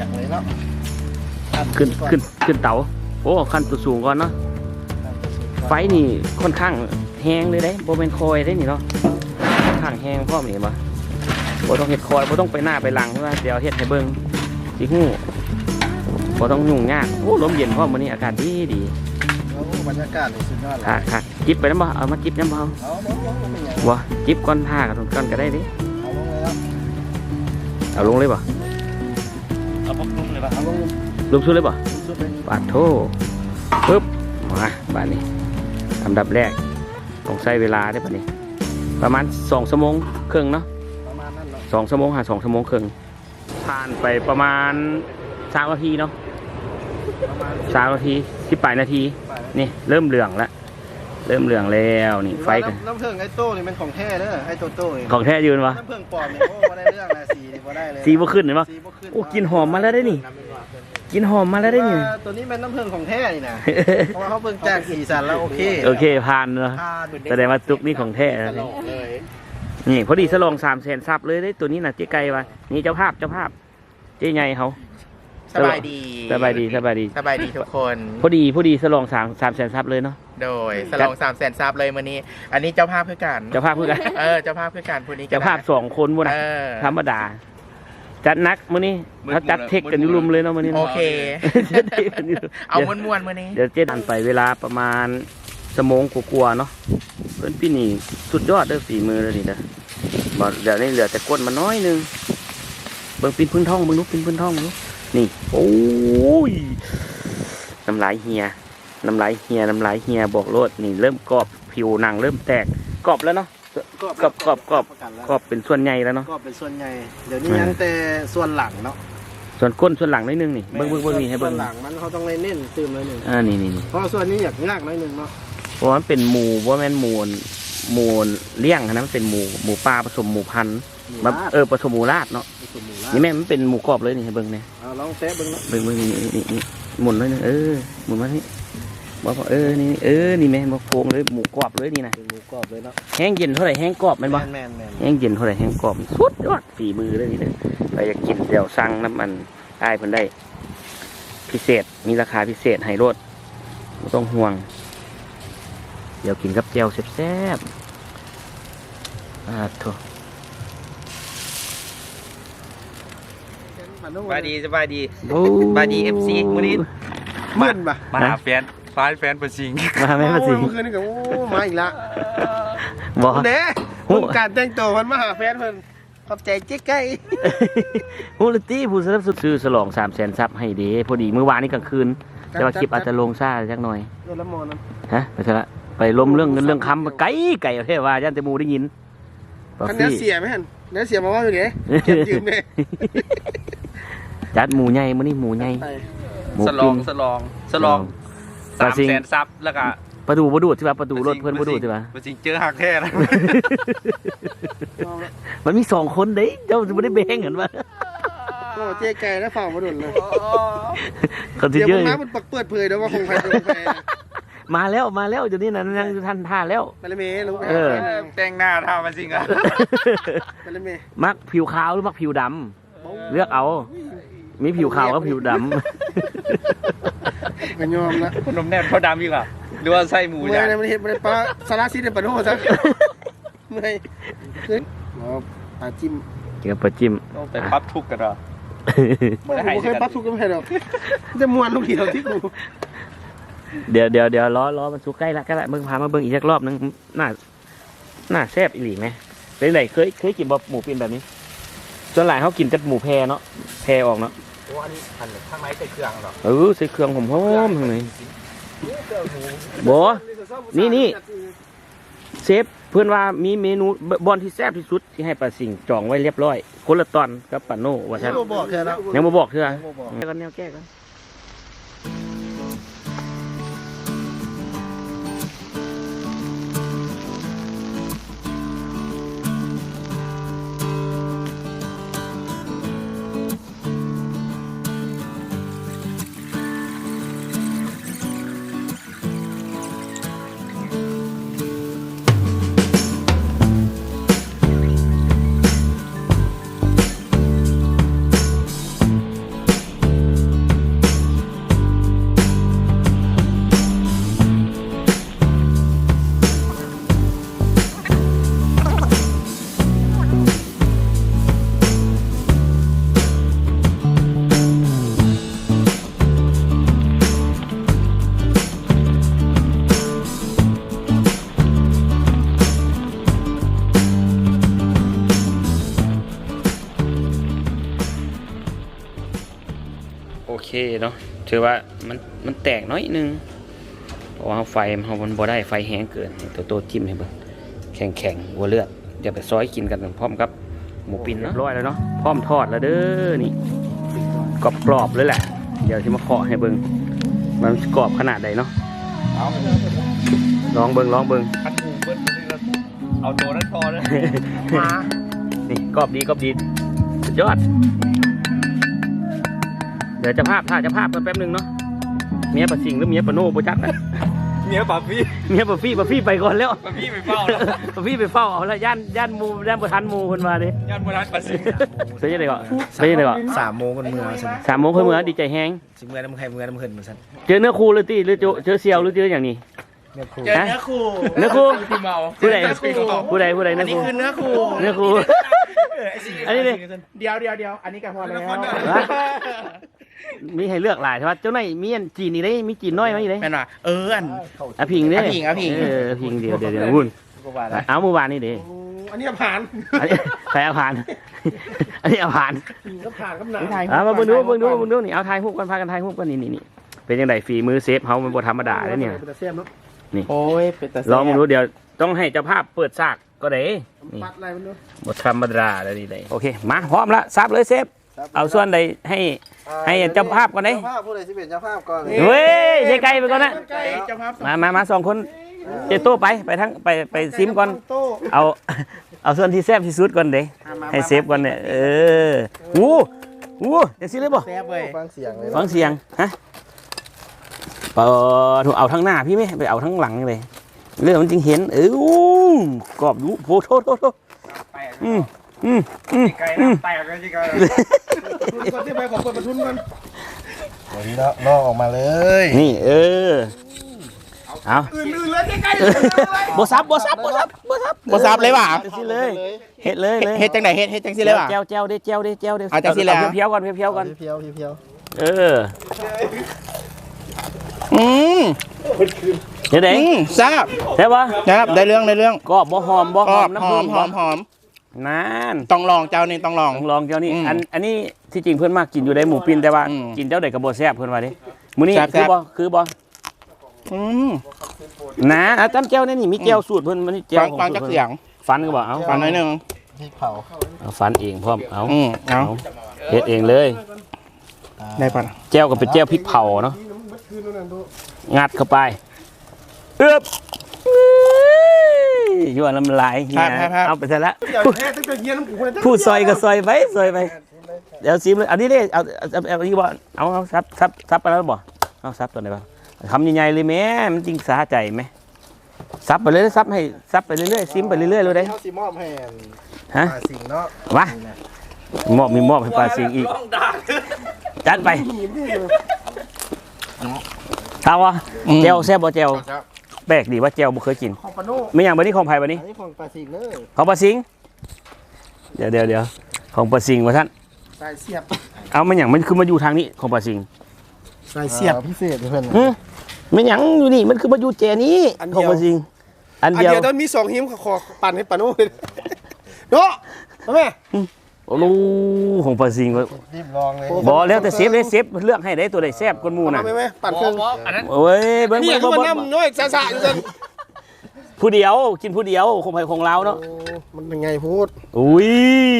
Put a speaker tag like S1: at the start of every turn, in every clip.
S1: กเลยเนาะ
S2: ขึ้นเตาโอ้ขั้นตัวสูงก่อนเนาะไฟนี่ค่อนข้างแห้งเลยได้โบเป็นคอยได้นี่เนาะค่อนข้างแห้งพ่อมีบ่โบต้องเห็ดคอยโบต้องไปหน้าไปหลังเพราะว่าเดี๋ยวเห็ดให้เบิ้งสิหูโบต้องยุ่งยากโอ้ลมเย็นพ่อมื้อนี้อากาศดี
S1: บรรยากาศเลยสุดยอดเลย
S2: ค่ะจิบไปน้ำบ่เอามาจิบน้ำบ่วะจิบก้อนผ้ากับก้อนก็ได้ดิเอาลงเลยบ่
S1: เอาพวกลุงเลยป่ะเอา
S2: ลงสุดเลยบ่ปาดโถปึ๊บมาบ้านนี้อันดับแรกต้องใช้เวลาได้ป่ะนี่ประมาณ2 ชั่วโมงครึ่งเนาะ
S1: ประมาณนั้นเนาะ
S2: 2 ชั่วโมง2 ชั่วโมงครึ่งผ่านไปประมาณ3 นาทีเนาะ3 นาที18 นาทีนี่เริ่มเหลืองแล้วนี่ไฟกัน
S1: น้ำผึ้งไอ้โต้นี่มันของแท้เด้อไอ้โต้
S2: ของแท้ยืนวะ
S1: น้ำผึ้งปลอมเนี่ยโอ้มาได้เรื่องนะสีนี่มาได้เลย
S2: สีบ่ขึ้นเห็นปะโอ้กินหอมมาแล้วได้นี่กินหอมมาแล้วได้นี่
S1: ตัวนี้เป็นน้ำผึ้งของแท้นี่นะเพราะว่าเขาเบิ่งจากสีสันแล้วโอเค
S2: ผ่านเนาะแสดงว่าตุกนี่ของแท้นี่พอดีสลอง300,000 ซับเลยได้ตัวนี้นะเจ๊ไก่วะนี่เจ้าภาพเจ๊ใหญ่เขา
S3: สบายดีทุกคน
S2: พอดีสลอง300,000 ซับเลยเนาะ
S3: โดยสลอง300,000 ซับเลยมื้อนี้อันนี้เจ้าภาพเพื่อกัน
S2: เจ้าภาพเพื่อ
S3: กันพอดี
S2: เจ้าภาพ2 คนบ่นะธรรมดาจัดนักมื้อนี้เขาจัดเทคกันอยู่รุมเลยเนาะมื้อนี้
S3: โอเคเอาม้วนๆมื้อนี้
S2: เดี๋ยวเจ๊ดันไปเวลาประมาณชั่วโมงกว่าๆเนาะเพิ่นพี่นี่สุดยอดเด้อฝีมือเลยนี่นะบ่เดี๋ยวนี้เหลือแต่ก้นมาน้อยนึงเบิ่งปีนพื้นท้องเบิ่งลูกปีนพื้นท้องลูกนี่โอ้ยน้ำลายเฮียบอกโลดนี่เริ่มกรอบผิวหนังเริ่มแตกกรอบแล้วเนาะกรอบเป็นส่วนใหญ่แล้วเนาะ
S1: กรอบเป็นส่วนใหญ่เดี๋ยวนี้ยังแต่ส่วนหลังเนาะ
S2: ส่วนก้นส่วนหลังนิดนึงนี่เบิ้งนี่ให้เบิ้ง
S1: ส่วนหลังมันเขาต้องเน้นตื่มเลยหนึ่ง
S2: นี่
S1: เพราะส่วนนี้อยากยากหน่อยหนึ่งเนาะ
S2: เพราะมันเป็นหมูว่ามันหมูเลี้ยงนะมันเป็นหมูปลาผสมหมูพันธุ์ผสมหมูราดเนาะนี่แม่มันเป็นหมูกรอบเลยนี่ให้เบิ้งเนี่ย
S1: ลองแซะเบิ้ง
S2: นี่หมุนเลยนึงหมุนมาที่บอกนี่แม่บอกโฟงเลยหมูกรอบเลยนี่นะ
S1: หมูกรอบเลยเนาะ
S2: แห้งเย็นเท่าไหร่แห้งกรอบมันบ่แห้งเย็นเท่าไหร่แห้งกรอบสุดยอดฝีมือเลยนี่เลยไปอยากกินเดี๋ยวสั่งน้ำมันได้เพิ่นได้พิเศษมีราคาพิเศษให้รถไม่ต้องห่วงเดี๋ยวกินกับแจ่วแซ่บๆโถ
S3: สบายดีFC มื้อนี้มาหาแฟนประชิง
S2: มาแม่ประชิง
S1: เมื่อคืนนี่ก็มาอีกละบอกเด้ผมการแต่งตัวมันมาหาแฟนเพิ่นขอบใจเจ๊ไก่
S2: ฮูลตี้ผู้สนับสนุนซื้อฉลอง300,000 ซับให้เด้พอดีเมื่อวานนี้กลางคืนแต่ว่าคลิปอาจจะลงซ่าจักหน่อย
S1: ละมอนะ
S2: ฮะไปซะละไปล้มเรื่องเงินเรื่องคำไก่เท่ว่าย่านแต่หมู่ได้ยิน
S1: คันนี้เสียไหมฮั่นเนื้อเสียมาว่าอยู่เด้เก็บยืมเด้
S2: จัดหมูใหญ่มื้อนี้หมูใหญ่
S3: สลอง300,000 ซับแล้วก็
S2: ประตูบ่ดูดใช่ป่ะประตูรถเพิ่นบ่ดูดใช่ป่ะ
S3: จริงเจอหักแท้นะ
S2: มันมี2 คนเด้เจ้าสิบ่ได้แบ่งกันว่า
S1: โอ้เจ๊ไก่แล้วฝ่าบ่ดุนเลย
S2: คนที่เยอะ
S1: มันเปิดเผยเด้อว่าคงใครโดนแฟ
S2: มาแล้วเดี๋ยวนี้นะยังท่านท่าแล้ว
S1: ไปเลยเมย์รู้
S3: แต่งหน้าท่ามาจริงอ่ะ
S1: ไปเลยเมย์
S2: มักผิวขาวหรือมักผิวดำเลือกเอามีผิวขาวกับผิวดำ
S1: ไม่ยอมนะ
S3: คนนมแนบเขาดำอีกอ่ะหรือว่าไส้หมู
S1: อย่างมันเห็นมันปลาสาราซีในปลาโน่ซะไม่ขึ้นปลาจิ้ม
S2: กินปลาจิ้ม
S3: ต้องไปปั๊บทุกกันหรอ
S1: ไม่เคยปั๊บทุกกันไม่หรอกจะมวนลูกเดียวที่กู
S2: เดี๋ยวล้อมันสุกใกล้ละก็ละมึงพามาเบิ่งอีกสักรอบนึงน่าแซ่บอีหลีไหมเป็นไรเคยกินบะหมูปิ้งแบบนี้ส่วนหลายเขากินแต่หมูแพเนาะแพออกเนาะ
S3: โอ้อันนี้ข้างในใส่เครื่องหร
S2: อใส่เครื่องหอมๆข้างในบ่นี่เชฟเพื่อนว่ามีเมนูบอลที่แซ่บที่สุดที่ให้ปลาสิงจองไว้เรียบร้อยคนละตอนกับปลาโน่ว่าใช่ยังบ่บอกเถอะกันแนวแก้กันอเคเนาะถือว่ามันแตกน้อยนึงเพราะว่าไฟมันบ่ได้ไฟแห้งเกินตัวโตจิ้มให้เบิ่งแข็งหัวเลือดอย่าไปซอยกินกันพร้อมกับหมูปิ้นเนาะเรียบร้อยแล้วเนาะพร้อมทอดแล้วเด้อนี่กรอบๆเลยแหละเดี๋ยวที่มาเคาะให้เบิ่งมันกรอบขนาดใดเนาะลองเบิ่ง
S3: พันหมูเบิ้ลเอาตัวนั้นพอนะ
S2: นี่กรอบดีสุดยอดเดี๋ยวจะภาพกันแป๊บนึงเนาะเมียปะสิงหรือเมียปะโน่บ่จักนะ
S3: เมียป่าพี่
S2: เมียปะฟี่ไปก่อนแล้ว
S3: ป่าพี่ไปเฝ้าแล้ว
S2: ปะฟี่ไปเฝ้าเอาละย่านหมู่ย่านบ่ทันหมู่เพิ่นมาเด้
S3: ยันโบราณป่าสิง
S2: เป็นยังไงก่อนเป็นยังไงก่อน
S1: 3 โมงกันเมื่อสิ
S2: 3 โมงเพิ่นมื้อดีใจแฮง
S1: สิเมื่อน้ำไข่เมื่อน้ำเพิ่นเหมือนกัน
S2: เจอเนื้อคู่หรือติหรือเจอเซียวหรือเจออย่างนี้
S1: เนื้อคู่
S2: เนื้อคู่
S3: พี่เมา
S2: ผู้ใดเนื้อคู่
S1: คือเนื้อคู่
S2: เนื้อคู่อันนี้ดิ
S1: เดียวอันนี้ก็พอแล้ว
S2: มีให้เลือกหลายใช่ป่ะเจ้าไหนมีอันจีนนี่ได้มีจีนน้อยมั้ยได้
S1: แม่นว่าอัน
S2: อะพิงเด้
S1: อะพิง
S2: พิงเดียววุ่นเอาเมื่อวานนี่เด้
S1: อันนี้ผ่าน
S2: อันนี้ใครเอาผ่าน อันนี้เอาผ่าน
S1: ก็ผ่านกับหนัง
S2: มาเบิ่งดูนี่เอาถ่ายรูปกันพากันถ่ายรูปกันนี่เป็นยังไงฝีมือเซฟเฮามันบ่ธรรมดาเด้เนี่ย นี่
S1: โอ้ยเป็นตา
S2: ลองดูเดี๋ยวต้องให้เจ้าภาพเปิดฉากก็ได้นี่
S1: ปัดอะไรมันดู
S2: บ่ธรรมดาเลยนี่ได้โอเคมาพร้อมละซับเลยเซฟเอาส่วนใดให้เจ้าภาพก่อนเด้
S1: เจ้าภาพผู้ใดสิเป็นเจ้าภาพก่อน
S2: เว้ยเจ๊ไก่ไปก่อนนะ
S1: เจ้าภาพ
S2: มา2คนเจโต้ไปทั้งไปซิมก่อนเอาส่วนที่แซ่บที่สุดก่อนเด้ให้เซฟก่อนเนี่ยอู้จังซี่เลยบ่
S1: แซ่บเว้ยฟังเสียงเลย
S2: ฟังเสียงฮะถูกเอาทั้งหน้าพี่ไหมไปเอาทั้งหลังเลยเรื่องมันจริงเห็นกรอบดูโอ้โทษ
S3: ไก่น้ำแตกเลยจิไก่
S1: คนที่ไปของคนประทุนกันวันนี้ลอกออกมาเลย
S2: นี่เอา
S1: อื่นเลยใกล้ๆ
S2: บ่ซับเลยว่ะสิเลยเฮ็ดเลย
S1: เฮ็ดจังไหนเฮ็ดจังสิเลยว่ะ
S2: แก้วเด้
S1: เอาจังสิแล้ว
S2: เพียวก่อน
S1: เพียว
S2: เดี๋ยวเด้
S1: ทราบ
S2: ใช่ป่ะ
S1: ครับได้เรื่อง
S2: กรอบบ่หอมน้ำผึ้ง
S1: หอม
S2: นั่น
S1: ต้องลองเจ้านี่ต้องลอง
S2: ลองเจ้านี่อันนี้ที่จริงเพื่อนมากกินอยู่ได้หมูปิ้นแต่ว่ากินเจ้าใดกระโบแซ่บเพื่อนว่าดิมื้อนี้คือบ่นะจำแก้วนี่มีแก้วสูตรเพื่อนมันนี่แก้วของ
S1: ฟังจักเสียง
S2: ฟันก็บอกเอา
S1: ฟังหน่อยนึง
S2: เอาฟันเองพร้อมเอา
S1: เอา
S2: เฮ็ดเองเลย
S1: ได้ป่ะ
S2: แก้วก็เป็นแก้วพริกเผาเนาะงัดเข้าไปยั่วน้ำลายเอาไปซะละพูดซอยก็ซอยไปเดี๋ยวซิมเลยอันนี้เลยเอานี่บ่เอาซับไปแล้วบ่เอาซับตัวไหนบ้างคำใหญ่ๆเลยแม่มันจริงสาใจไหมซับไปเลยซับไปเรื่อยๆซิมไปเรื่อยๆเลยได้
S1: เขาสิมอบให้
S2: ฮะ
S1: สิ่งเนาะ
S2: วะมีมอบให้ปลาสิงอีกจัดไปถามว่าเจลแซ่บบ่เจลแปลกดีว่าเจลบ่เคยกิน
S1: ของปาโน่
S2: ไม่อย่างบันนี้ของไผ่บันนี้
S1: อันนี้ของปลาสิงเลย
S2: ของปลาสิงเดี๋ยวของปลาสิงวะท่าน
S1: สายเสียบ
S2: เอาไม่อย่างมันคือมาอยู่ทางนี้ของปลาสิง
S1: สายเสียบพิเศษเพื่อน
S2: ไม่อย่างอยู่นี่มันคือมาอยู่เจนี้ของปลาสิงอันเดียว
S1: ต้องมี2หิมขอปั่นให้ปาโน่เนาะแม่
S2: โอ้โหของปลาสิง
S1: รีบลองเลย
S2: บ่แล้วแต่เซฟเลือกให้ได้ตัวใดแซ่บกว่าหมู่น่ะ
S1: ไม่ปั่นเครื่อง
S3: อันนั้น
S2: โอ้ยเบิ่ง
S1: นี่คือมันน้ำน้อยสะอยู่จน
S2: ผู้เดียวกินผู้เดียวของไผ่ของเราเนาะ
S1: มันเป็นไงพูด
S2: อุ้ย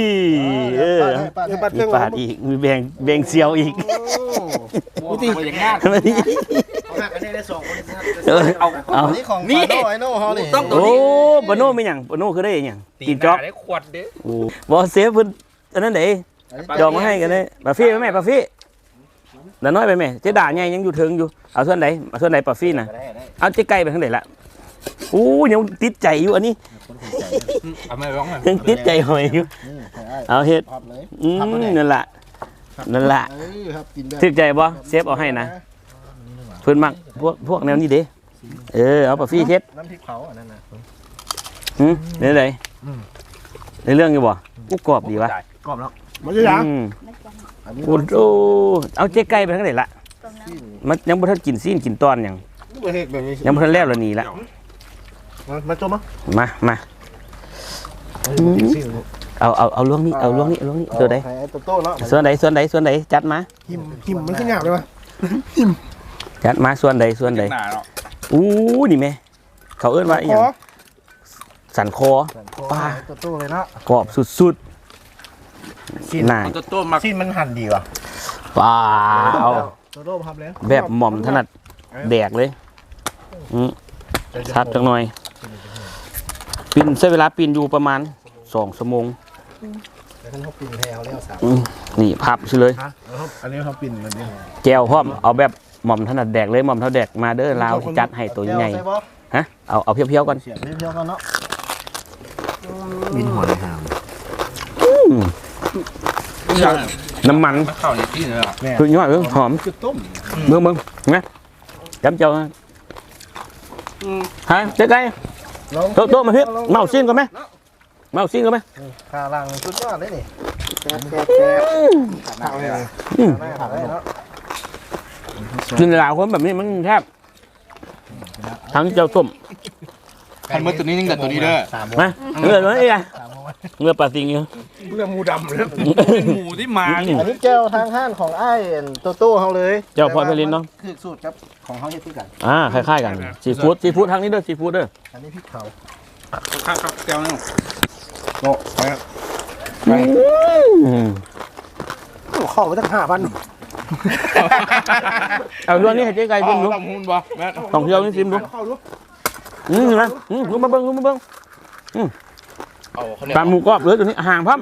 S1: ปั่นเครื่อง
S2: มีปาดอีกมีแบ่งเซียวอีก
S3: กูตีอย่างง่าย
S1: หักอันนี้ได้2คนเอานี่ของปาโน่ไอ้โน่เฮานี่
S3: ต้องตัว
S2: โอ้
S3: นี้
S2: ปโน่ไม่หยังปโน่คือได้หยังกินจ๊อก
S3: ได้ขวดเด้
S2: โอ้บ่เซฟเพิ่นอันนั้นเด้จองมาให้กันเด้ปลาฟี่ไหมแม่ปลาฟี่แล้วน้อยไปแม่เจ๊ด่าใหญ่ยังอยู่ถึงอยู่เอาส่วนไหนปลาฟี่น่ะเอาเจ๊ไก่ไปทางไหนล่ะโอ้ยังติดใจอยู่อันนี้
S3: เอาไม่ร้อง
S2: ยังติดใจหอยอยู่เอาเฮ็ดนั่นล่ะถึกใจบ่เซฟเอาให้นะเพิ่นมักพวกแนวนี้เด้เอาปลาฟี่เฮ็ด
S1: น้ำพริกเผาอันนั้นน่ะ
S2: นี่เลยในเรื่องอยู่บ่กูกรอบดีวะ
S1: กรอบแล้วมันจะยัง
S2: โอ้โหเอาเจ๊ไก่ไปทางไหนล่ะมันยังบ่ทันกินซีนกินตอนหยังยังบ่ทันแล้วละนี่ละ
S1: มาจมมั้ง
S2: มาเอาล่วงนี้เอาล่วงนี้ตัวใด
S1: ไอ้โตโต้เนาะ
S2: ส่วนใดจัดมา
S1: หิมมันขึ้นหยาบเลยวะ
S2: จัดมาส่วนใด
S3: หนาเนาะ
S2: อู้นี่แม่เขาเอิ้นว่าอีหยังสันคอ ป้า
S1: โตโต้เลยเนาะ
S2: กรอบสุดๆน่า
S3: ตัวต้มมา
S1: ชิ้นมันหั่นดีว่ะ
S2: ว้าว
S1: โตโต้ทำแล้ว
S2: แบบหม่อมถนัดแดกเลยชัดจังหน่อยปีนใช้เวลาปีนอยู่ประมาณ2 ชั่วโมง
S1: แต่ท่านเขาปิ่นแถวแล้วสาม
S2: นี่พับซิเลย
S1: อันนี้เขาปิ่นแบบนี้
S2: แจวพร้อมเอาแบบหม่อมถนัดแดกเลยหม่อมเท่าแดกมาเด้อลาวจัดให้ตัวใหญ่ฮะเอาเพียวๆก่อน
S1: เสียบเพี้ยวๆกันเนาะบินหัวเลยหาม
S2: น้ำมัน
S3: มันเข้าในที่เลยอ่ะ
S2: คือยอดเรื่องหอม
S1: จุดต้ม
S2: เมืองนะจำเจ้าฮะเจ๊ไก่โต๊ะมาพี่เมาซิ่งกันไหมเมาซิ่งกันไหม
S1: ขาลังสุดยอดเลยนี่แซ่บขาเลยขาเลยเนาะ
S2: กินลาวคนแบบนี้มันแทบทั้งเจ้าต้ม
S3: คันเมื่อตัวนี้ยังเกิดตัวนี้เด้อ
S2: นะเงือมันไอ้ไงเงือปลาซิงอยู่
S1: เรื่องมูดำเลย
S3: หมูที่มา
S1: อันนี้แก้วทางห้านของไอ้โตโต้เขาเลย
S2: เจ้าพอไปลินเนาะ
S1: คือสูตรครับของเขาเฮ็ดที่กัน
S2: คล้ายๆกันซีฟู้ดทางนี้เด้อซีฟู้ดเด้อ
S1: อันนี้พริกเผา
S3: ครับแก้วนึง
S1: โตไปครับข้อมาตั้ง5,000
S2: เอาเรื่องนี้ให้เจ๊ไก่ชิมดู
S3: ลำหุ่นบ่แม่
S2: ต้องเที่ยวนี่ชิมดูนะรู้มาเบิ้งปลาหมูกรอบเลยตัวนี้ห่างพับ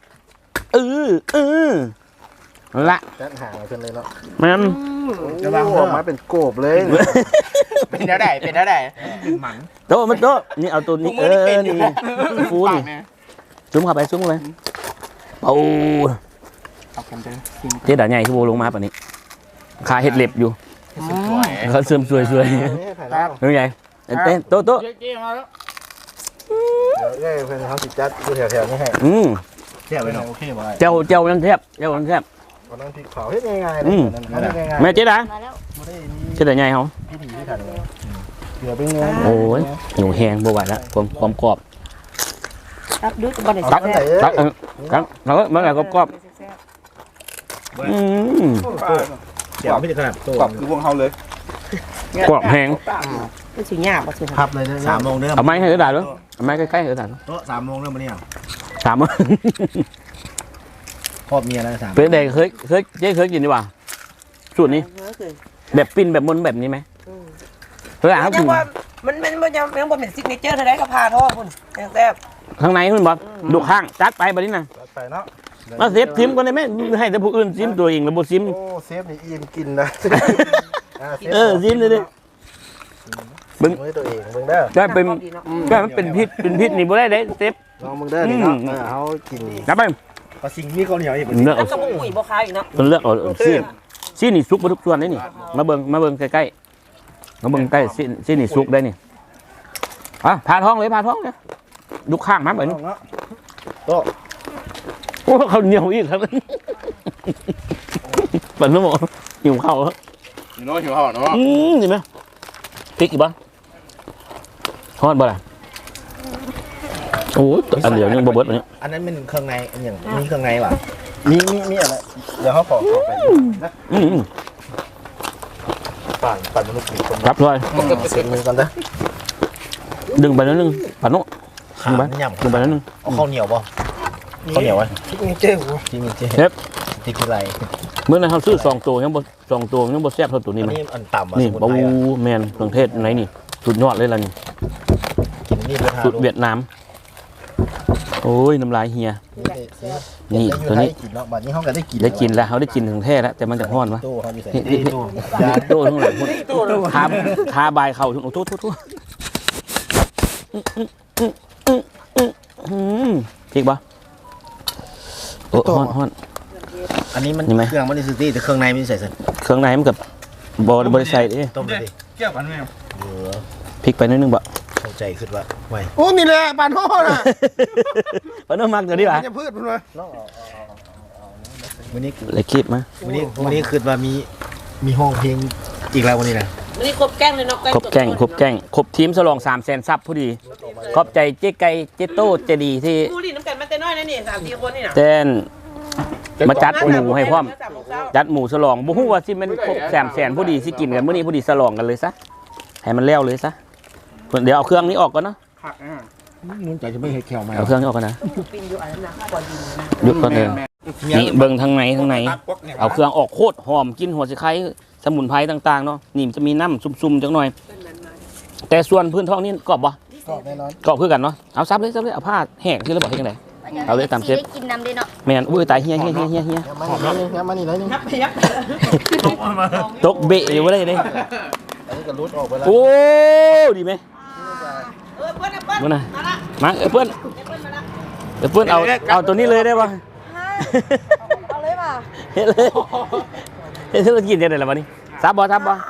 S2: ละ
S1: จัดหางเพิ่นเลยเนาะ
S2: มัน
S1: จะวางออกมาเป็นโกบเลย
S3: เป็นแล้วได้เป็นแล้วได้
S2: โต๊ะมันโต๊ะนี่เอาตัวนี้นี่ฟูนี่ซุ้มเข้าไปเอาเจ๊ด่าใหญ่ที่โบลงมาป่ะนี้ขาเห็ดเล็บอยู่เขาเสื่อมซวยเรื่องใหญ่เต้นโต๊ะ
S1: เดี๋ยวเพิ่นเขาสิจัดอยู่แถวๆนี้ให้แซ่บไปเนาะโอเคบ่
S2: เจ้ายังแทบ
S1: ตอนนั้นพริกเผาเฮ็ดง่ายๆเลยง่ายๆ
S2: แม่เจ๊ด่า
S4: มาแล้ว
S1: บ่ได้มี
S2: เจ๊ด่าใหญ่เขา
S1: พิธีที่ทันเลยเดี๋ยวเป็นไง
S2: โอ้ยหิวแห้งบ่ไหวแล้วความกรอบ
S4: รับดูบ่ได้
S1: ตักอันไหน
S2: ตักครับแล้วมันอะไรกรอบ
S1: เสียบไม่ถึงขนาดโต
S3: กรอบคือพวกเขาเลย
S2: กรอบแห้ง
S4: ก็สิยากบ่สิ
S1: พับเลย3 โมงเด้อ
S2: เอาไม้ให้กระดาษด้วยเอาไม้ใกล้ๆกระดาษ
S1: โต๊ะ3 โมงเด้อมื้อนี้
S2: 3มื้อ
S1: พ่อเมียแล้ว3
S2: เป็นเด็กเคยกินดีกว่าสูตรนี้แบบปิ้นแบบมนแบบนี้ไหมเคยอ่านครับ
S4: ยังว่ามันบ่ยังบ่เป็นซิกเนเจอร์เท่าใดก็พาทอดพุ่นแซ่บ
S2: ข้างในคุณบอกดูข้างจัดไปแบบนี้นะ
S1: ไปเนาะ
S2: มาเซฟซิมก่อนได้ไหมให้แต่ผู้อื่นซิมตัวเองแล้วบ่ซิม
S1: โอ้เซฟนี่อิ่มกินนะ
S2: ซิมเลยดิ
S1: มึงตัวเองมึงเด้อ
S2: ได้เป็นได้มันเป็นพิษนี่บ่ได้เด้เซฟ
S1: ลองมึงเด้อนี่เนาะเขากิน
S2: นับไป
S1: ปลาซิงมีข้าวเหนียวอีก
S2: เลือก
S4: แล้
S2: เอา
S4: วก็บ่อุ้ยบ่คายอีกเนาะ
S2: เลือกเอาซีนี่ซุกมาทุกส่วนได้นี่มาเบิ่งใกล้ๆมาเบิ่งใกล้ซีนี่ซุกได้นี่พาท้องเลยดูข้างมาแบบนี้
S1: โต๊ะ
S2: โอ้เขาเหนียวอีกครับปั่นน้ำหมอหิวข้าวแล้ว
S3: อยู่โน้หิวห่อเนาะ
S2: เห็นไหมพริกอีกบ้างทอดบ่ล่ะโอ้อันเดียวยังบ่เบิดอันนี้
S1: อันนั้นเป็นเครื่องในอันอย่างมีเครื่องในว่ะมีอะไรเดี๋ยวเขาขอไปนะปั่นมนุษย์คน
S2: รับเลย
S1: เสร็จมือกันนะ
S2: ดึงไปนิดนึงปั่นโน่
S1: ขาไม่ย่ำ
S2: ดึงไปนิดนึง
S1: เอาข้าวเหนียวป่ะข้าวเหนียววะที่มีเจ้าที่มีเจ้
S2: เฮ็บ
S1: ที่คืออะไร
S2: เมื่อนั้นเขาซื้อ2 ตัวยังบ่แซ่บเท่าตัวนี้
S1: อัน
S2: มั้ย
S1: นี้อันต่ำว่ะ
S2: นี่
S1: สมุน
S2: ปู
S1: ไพรอ่ะ
S2: แมนเครื่องเทศไหนนี่สุดยอดเลยล่ะนี่
S1: กินนี่ด้วย
S2: สุดเวียดนามโอ้ยน้ำลายเฮียนี่ตัวนี้
S1: กินเนาะบัดนี้เขาก็ได้กิน
S2: ได้กินแล้วเขาได้กินถึงแท้แล้วแต่มันจะฮ้อนวะ
S1: ตู้เขาอยู่ใส่
S2: นี่
S1: ตู้
S2: โต้ทั้งหลายคาบายเข่าถึงโอ้โทษพริกปะโอ้ฮ้อน
S1: อันนี้มัน
S2: นี่ไหม
S1: เครื่องมันนี่ซิตี้แต่เครื่องในมันใส่สิ
S2: เครื่องในมันกับบริใส่ดิ
S1: ต้มเลยดิ
S3: เกี่ยวกันไหม
S2: พริกไปนิดนึงบ่
S1: เข้าใจขึ้นว่าไว้
S5: โอ้นี่แหละปานโห่น่ะ
S2: ปนน้ำมันตัวนี้ป่ะ
S5: จะพืชมันมา
S1: วันนี้
S2: เลยคีบมา
S1: วันนี้คือว่ามีห้องเพลงอีกแล้ววันนี้นะ
S4: มันนี่ครบแกงเลยเนาะ
S2: ครบแกงครบทีมฉลอง300,000 ซับพอดีขอบใจเจ๊ไก่เจ๊โต้เจดีที่
S4: ผู้ลิ้นน้ำกันมาแต่แต่น้อยนั่นนี่3-4คนนี่น่ะ
S2: เต้นมาจัดหมูให้พร้อมจัดหมูฉลองบ่ฮู้ว่าสิมันครบ300,000ผู้ดีสิกินกันมื้อนี้ผู้ดีฉลองกันเลยซะให้มันแล้วเลยซะเดี๋ยวเอาเครื่องนี้ออกก่อนเนาะ
S1: มันใจจะไม่เห็ดแขวมา
S2: เอาเครื่องนี้ออกก่อนนะ
S4: ปินอยู่อันนั้นนะก่อนดินนะ
S2: หยุดก่อนเลยนี่เบิ่งทางในเอาเครื่องออกโคตรหอมกินหัวสิไข่สมุนไพรต่างๆเนาะนี่มันจะมีน้ำซุ่มๆจังหน่อย แต่ส่วนพื้นท้องนี่กรอบบ่
S1: กรอบแน่นอน
S2: กรอบคือกันเนาะเอาซับเลยเอาผ้าแห้งที่เราบอกให้จังได๋เอาเลยตามเชฟ
S5: ได้กินน้ำด้วยเนาะ
S2: แม่นอุ้ยตายเฮีย
S1: หอมแล้วนี่มานี่แล้วนี่
S4: ยับ
S2: ตกเบะอยู่บ่ได้เด้
S1: อันนี้ก็รุดออกไปแล้ว
S2: โอ้ดีไหม
S4: เปิ้ล
S2: บ่น่ะมาเพิ่นเอาตัวนี้เลยได้ป่ะ
S5: เอาเลยป่ะ
S2: เฮ็ดเลยเฮ็ดธุรกิจได้ล่ะบัดนี้ซับบ่ตัดบ่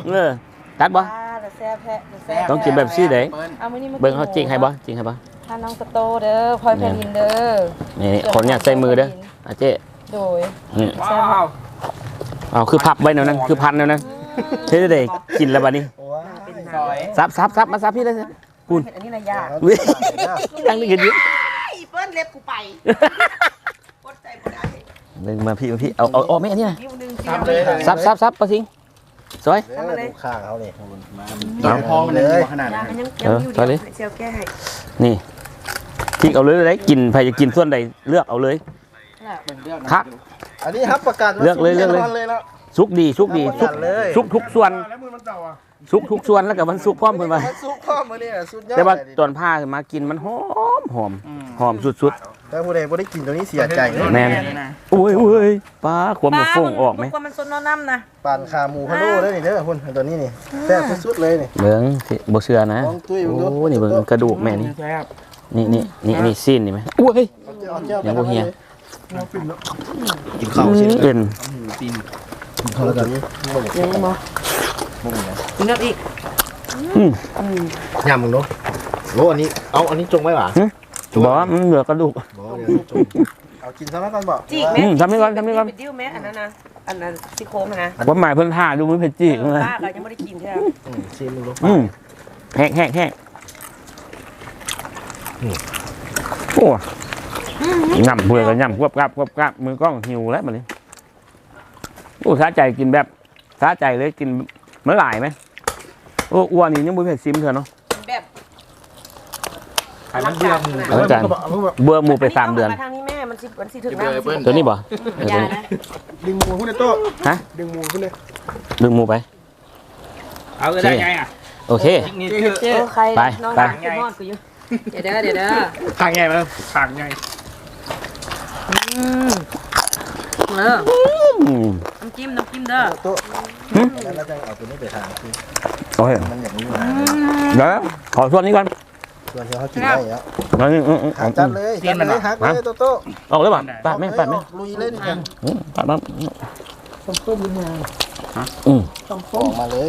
S5: แซ่บแท้
S2: ต้องกินแบบซี่เด้
S5: เอามื้อนี้มา
S2: เบิ่งเขาจริงให้บ่
S5: ทานน้องสโตเด้อพลอยแผ่นดินเด้อ
S2: นี่คนอยากใส่มือเด้ออาเจ๊
S5: โดย
S2: นี่
S5: แซ่บมาก
S2: เอาคือพับไว้แนวนั้นคือพันแนวนั้นเฮ็ดได้กินแล้วบัดนี้
S3: ซอย
S2: ซับมาซับพี่เลยคุณ
S4: อันนี้น่ะยาก
S2: เว้ยตั้งนี่กันอยู่
S4: เปิ้ลเล็บกูไปกดใจบ่ได้
S2: นึงมาพี่เอาแม่นี่นะ
S4: นิ้วนึง
S3: ทำเลย
S2: ซับปะสิงสวย
S1: ดูข้างเขาเนี่ย
S3: เอาพอมันเลยขนาดนั้น
S4: ยังอยู่ดีเซลแก้ให้
S2: นี่ทิ้งเอาเลยได้กินใครจะกินส่วนใดเลือกเอาเลยคัก
S1: อันนี้ครับประกัน
S2: เลือกเลย
S1: แล้ว
S2: สุกดีสุกทุกส่วน
S1: แล้วมือมันเต่าอ่ะ
S2: สุกทุกส่วนแล้วก็มันสุกพร้อมเพิ่นว่า
S1: มันซุกข้อมือเนี่ยสุดยอด
S2: แต่ว่าตอนผ้ามากินมันหอมสุด
S1: แต่ผู้ใดบ่ได้กินตัวนี้เสียใจเลย
S2: ๆแม่นอุ้ยป้าความมันฟงออกไหม
S5: มันซนน้ำนะ
S1: ปานขาหมูพะโล้เด้อนี่เด้อคุณตัวนี้นี่แซ่บสุดๆเลยนี่
S2: เบิ่งสิบ่เชื่อนะ
S1: ลองตุ้ย
S2: โอ้
S1: ดู
S2: นี่เบิ่งกระดูกแม่นี่นี่ซีนนี่ไหมอุ้ย ยังบ่เฮีย
S1: กินข้าวชิ้น
S2: เอ็น
S1: ข้าวแล้วกัน
S4: กินน้ำอีก
S1: ยำมึงเนาะโอ้อันนี้เอาอันนี้จงไว้หรอ
S2: บอกว่ามันเหลือกระดูก
S1: เอากินซะแล้วกันบอก
S4: จีกแม่
S2: ทำนี่ก่อน
S4: เป็นดิ้วแม่อันนั้นนะอันนั้นซี่โครงนะ
S2: ว่าหมายเพิ่นท่าดูมันเผ็ดจี้เลย
S4: ป้าก็ยังไม่ได้กินใช่ไหม
S1: ชิมมึงลูก
S2: แห้งโอ้ย่ำเพื่อกันย่ำควบกราบมือกล้องหิวแล้วมันนี่โอ้สาใจกินแบบสาใจเลยกินเมื่อไหร่ไหมโอ้อ้วนนี่ยังไม่เผ็ดซิมเถอะเนาะ
S4: แบบ
S3: ไอ้มันเบื่อหมู
S2: อาจารย์เบื่อหมูไป3 เดือน
S4: ทางนี้แม่มันสิถึงน้ำ
S2: ตัวนี้บ่
S4: ยานะ
S1: ดึงหมูขึ้นในโต๊ะ
S2: ฮะ
S1: ดึงหมูขึ้นเลย
S2: ดึงหมูไป
S3: เอาก็ได้ไงอ่ะ
S2: โอเค
S3: นี่คือ
S5: ใคร
S2: ไป
S5: น้อง
S2: ไป
S5: กินฮอดกูอยู่เดี๋ยวเด้อ
S3: ขางไงมั้งขางไง
S5: น้ำจิ้มเด้อ
S1: โต๊ะแล้วเราจะเอาตัวนี้ไปทานคือ
S2: โอเค
S1: มันอย่างนี้
S2: เดี๋ยวขอส่วนนี้ก่อน
S1: ส่วนที่เขากินได้แล้ว
S2: นี่
S1: จัดเลยฮักเลยโต๊ะ
S2: ออกเลยป่ะปัดไหม
S1: ลุยเลยนี่กัน
S2: ปัดมั้ง
S1: ต้มมาออกมาเลย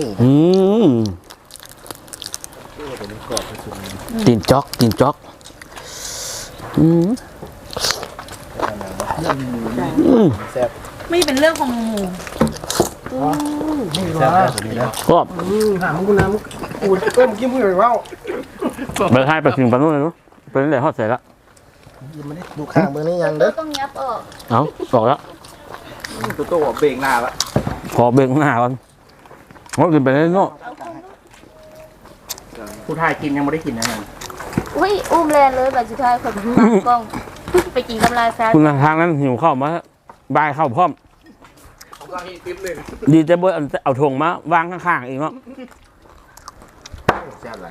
S2: ตีนจ๊อก
S1: แซ่บ
S5: ไม่เป็นเรื่องของหมู
S1: แซ่บตัวนี้นะ
S2: ก็
S1: ถามมึงกูน้ำมึงกูเอ้ยมึงกินมึงอย่างว่า
S2: เบอร์ให้ไปถึงปนู้นเลยเนาะเป็นอะไรฮอดใส่ละ
S1: ยังไม่ได้ดูข้างเบอร์นี้ยังเด้อ
S5: ต้องยับออก
S2: เอาบอกแล้ว
S3: ตัวเบรกหน้าละ
S2: ขอเบรกหน้าก่อนว่าจะเป็นอะไรเนาะ
S3: ผู้ทายกินยังไม่ได้กินนะ
S5: อุ้ยอุ้มแลนเลยแบบสุดท้ายคนมากล้องไปกินกำไรซะ
S2: คุณทางนั้นหิวข้าวมาบายข้าวพร้อมดีแต่เบอร์เอาถุงมาวางข้างๆเองเนาะ
S1: แซ่บอะไร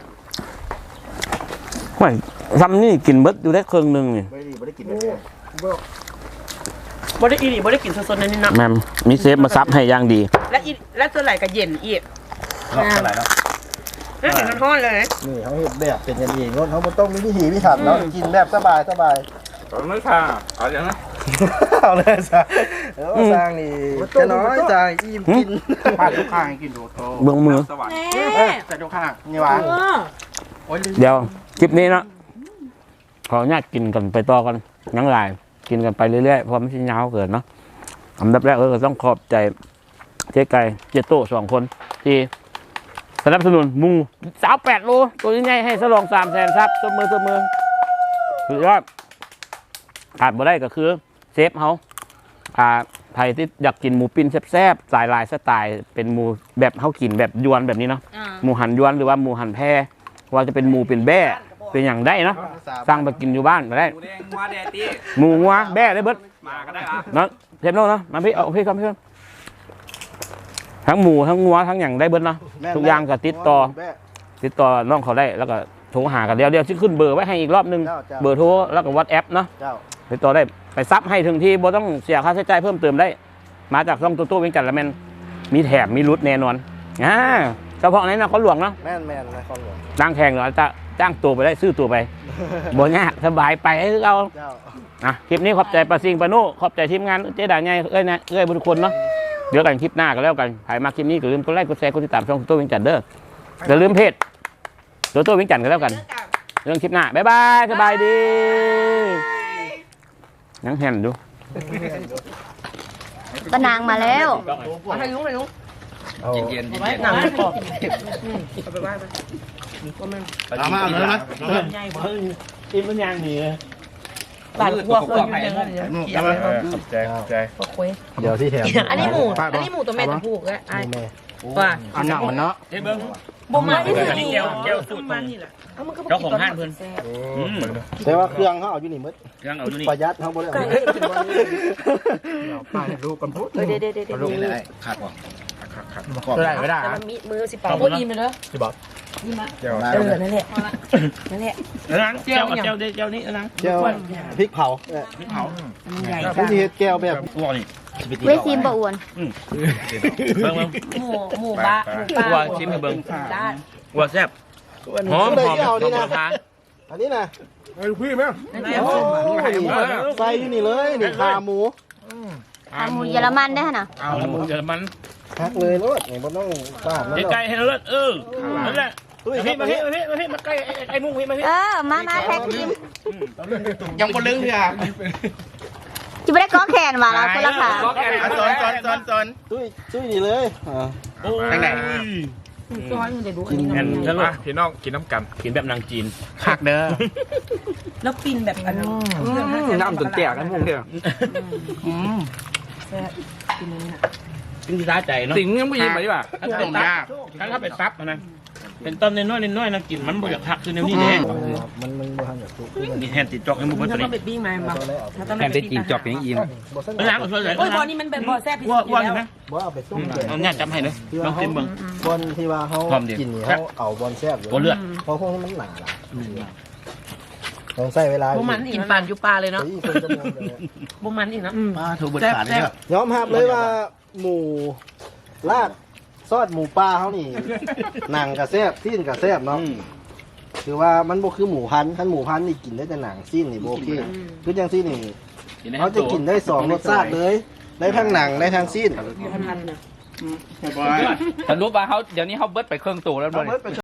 S2: ไม่ทำนี่กินเบิดอยู่ได้ครึ่งหนึงนี่
S1: ไม่ได้กินแบบนี้
S4: บ่ได้กินสดๆนี่นะ
S2: แม่มมีเซฟมาซับให้อย่างดี
S4: และตัวไหลก็เย็นอีก
S3: เท่าไหร่แล้ว
S4: น่าเห็นมันฮ้อนเลย
S1: นี่เขาเห็นแบบเป็นกันเองเขาไม่ต้องมีวิธีพิถันแล้วกินแบบสบาย
S3: ไม่ค่ะเอาอย่างนั้น
S1: เอาเลยจ้ะแล้วสร้างนี่จะน้อยจ้ะอิ่มกิน
S3: ป้าทุกข้างกินดูโต
S2: เบื้องมือ
S3: สวรรค์แต่ทุกข้าง
S1: นี่วะ
S3: โอ้ย
S2: เดี๋ยวคลิปนี้เนาะขออนุญาตกินกันไปต่อกันยังไงกินกันไปเรื่อยๆเพราะไม่ใช่ยาวเกินเนาะอันดับแรกก็ต้องขอบใจเจ๊ไก่เจ๊โต้2 คนที่สนับสนุนหมู28 โลตัวนี้ไงให้ฉลอง300,000 ซับตัวมือสุดยอดขาดบ่ได้ก็คือเซฟเขาใครที่อยากกินหมูปิ้นแซ่บๆสายลายสไตล์เป็นหมูแบบเขากินแบบยวนแบบนี้เนาะหมูหันยวนหรือว่าหมูหันแพรว่าจะเป็นหมูเป็นแบ้เป็นอย่างได้เนาะสั่งไปกินอยู่บ้านก็ได้
S3: หมูแดงงัวแดดตี
S2: หมูงัวแบ้ได้เบิด
S3: มาก็ได้ครับ
S2: เนาะเทปโน่เนาะมาพี่เอาพี่ครับพี่ครับทั้งหมูทั้งงัวทั้งอย่างได้เบิดเนาะทุกอย่างก็ติดต่อน้องเขาได้แล้วก็โทรหากันเดี๋ยวจะขึ้นเบอร์ไว้ให้อีกรอบนึงเบอร์โทรแล้วก็วอทแอปเนาะติดต่อได้ไปซับให้ถึงที่บ่ต้องเสียค่าใช้จ่ายเพิ่มเติมได้มาจากช่องตู้เวียงจันทร์แล้วแม่นมีแถมมีรุดแน่นอนเฉพาะในนครหลวงเนาะ
S1: แม่นนครหลวง
S2: จ้างแข่งเหรอจะจ้างตัวไปได้ซื้อตัวไปบ่ยากสบายไปให้เราคลิปนี้ขอบใจปาซิงปาโน่ขอบใจทีมงานเจ๊ด่าไงบุญคนเนาะเดี๋ยวกันคลิปหน้าก็แล้วกันถ่ายมาคลิปนี้ก็ลืมกดไลค์กดแชร์กดติดตามช่องตู้เวียงจันทร์เด้ออย่าลืมเพจตู้เวียงจันทร์ก็แล้วกันเรื่องคลิปหน้าบ๊ายบายสบายดียังเห็นดู
S5: ตะนางมาแล้ว
S4: ให้ลุง
S3: เย็น
S4: ไว้หนังไม่กรอบ
S1: เอามาเอาเลยนะ
S2: ทีมมันยังดีเลย
S4: บาดหัวคนอยู่เดิน
S1: นู่นเอามาใจ
S4: พวกคุย
S1: เดี๋ยวที่แถม
S4: อันนี้หมูตัวแม่ตัวผู้ก็ไอ้ว่า
S1: อันหนังมันเนาะ
S2: เฮ้ยเบิ้ง
S4: บ่มาที่
S2: อันนี้แก้วสูตรของเจ้าของห้างเพิ่น
S1: แต่ว่าเครื่องเขาเอาอยู่นี่มึด
S2: เครื่องเอาอยู่นี่
S1: ประหยัดเขาบ่ได้เอาป้าลูกกันพุทธ
S4: เดี๋ยว
S1: ลูกได้ขาดบ่ขาดไม่ได้
S4: แต่มันมีมือสิเป่าโอ้ยิ้มเลยเด้อ
S1: สิบอก
S4: ยิ้มมา
S1: เดี๋ยว
S4: นั่นแหละ
S2: แก้วนี้นะ
S1: แก้วพริกเผา
S4: ใหญ่
S1: ผู้ที่เฮ็ดแก้วแบบ
S2: อ้วนนี่
S5: เวทีมบ่อ้วน
S2: เบิ้ง
S4: หมูปลา
S2: อ้วนชิมให้เบิ้ง
S4: ได้
S2: อ้วนแซ่บหอมทาน
S1: อันนี้นะ
S4: แล้ว
S1: ใส่อยู่นี่เลยนี่ขาหมู
S5: อาหมูเยอรมันได้ฮะน่ะ
S2: เอาหมูเยอรมัน
S1: ฮักเลยรถนี่บ่ต้องตามมัน
S2: ไก่ให้เลิศนั่นแหละมาใกล้ไอ้มุ้งมา
S5: มาแท็กทีม
S3: ยังบ่ลึงเถอะ
S5: จะไม่ได้ก้อแขนมาแล้วคนละขา
S3: สอน
S1: ตุ้ยนี่เลย
S3: ทางไหน
S4: ซ้อนอยู่ในดู
S2: กินกันแล้ว
S6: พี่น้องกินน้ำกัน
S2: กินแบบนางจีน
S3: คักเด้อ
S4: แล้วปินแบบอันนั้น
S6: น้ำจนแตกกันพวกเดียว
S4: ปินนี่นะ
S2: กินที่ร้าใจเนาะ
S6: สิงยังไม่ยินไปดีกว่า
S2: ถ้าไปซับนะเป็นต้นน้อยนะกินมันบ่อยากพักคือในนี้แน่
S1: มันบ่ทันแบบตุ้ย
S2: มีแฮนติดจอกให้มุ้ง
S4: ถ้า
S2: ตัว
S4: ต้อ
S2: นี้
S4: งไปปิ้งมาบ้างถ้าต้อง
S3: แถมได้จีนจอกอย่างอิ่ม
S2: ล้างเอาเลย
S4: โอ้ยบอลนี่มันเป็นบอลแซ่บที่สุด
S2: ว่า
S4: แล้ว
S2: ไหม
S1: บ่เอาไปต้มเลย
S2: เอาเนี่ยจำให้เลยลองกินเบิ่ง
S1: บอลที่ว่าเขากินนี่เขาเอาบอลแซ่บอยู่
S2: โอ้เลือด
S1: เพราะพวกนี้มันหนาต้องใส่เวลา
S4: บุมันกินปานอยู่ปลาเลยเนาะ
S1: คนจะมองเลย
S4: บุมันอีกเนาะ
S2: ป้าถูกบดขาดเลยครับ
S1: ยอมรับเลยว่าหมูลาดซอสหมูปลาเขานี่หนังกับแซ่บซีนกับแซ่บเนาะคือว่ามันบ่คือหมูพันธุ์หมูพันธุ์นี่กินได้แต่หนังซีนนี่บ่โอเคคือจังซี่นี่เขาจะกินได้สองรสชาติเลยได้ทั้งหนังได้ทั้งซีน
S4: พันๆนะ
S3: สรุปว่าเขาเดี๋ยวนี้เขาเบิดไปเครื่องตัวแล้ว
S1: เอา
S3: เลย
S1: เบิดไป